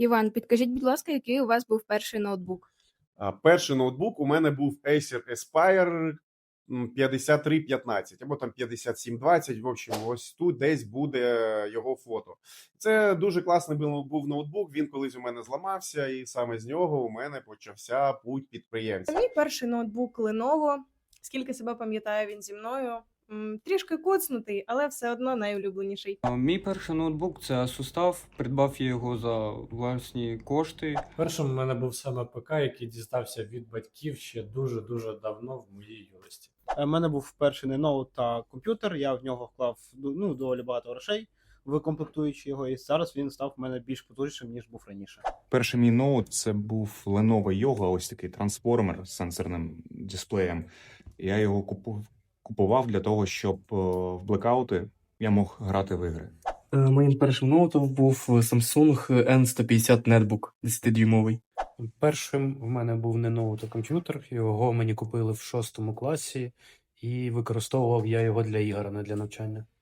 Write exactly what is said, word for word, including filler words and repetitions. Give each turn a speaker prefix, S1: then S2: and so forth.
S1: Іван, підкажіть, будь ласка, який у вас був перший ноутбук?
S2: А, перший ноутбук у мене був Acer Aspire м, п'ятдесят три п'ятнадцять або там п'ятдесят сім двадцять. В общем, ось тут десь буде його фото. Це дуже класний був був ноутбук. Він колись у мене зламався, і саме з нього у мене почався путь підприємця.
S3: Мій перший ноутбук Lenovo. Скільки себе пам'ятаю, він зі мною. М, Трішки коцнутий, але все одно найулюбленіший.
S4: А, Мій перший ноутбук це Asus. Придбав я його за власні кошти.
S5: Першим у мене був саме ПК, який дістався від батьків ще дуже-дуже давно в моїй юності.
S6: У мене був перший не ноут та комп'ютер. Я в нього вклав ну, доволі багато грошей, викомплектуючи його, і зараз він став в мене більш потужнішим, ніж був раніше.
S7: Перший мій ноут це був Lenovo Yoga, ось такий трансформер з сенсорним дисплеєм. Я його купу- купував для того, щоб е, в блекаути я мог грати в ігри.
S8: Е, Моїм першим ноутом був Samsung ен сто п'ятдесят нетбук десятидюймовий.
S9: Першим в мене був не ноут, а комп'ютер. Його мені купили в шостому класі, і використовував я його для ігор, а не для навчання.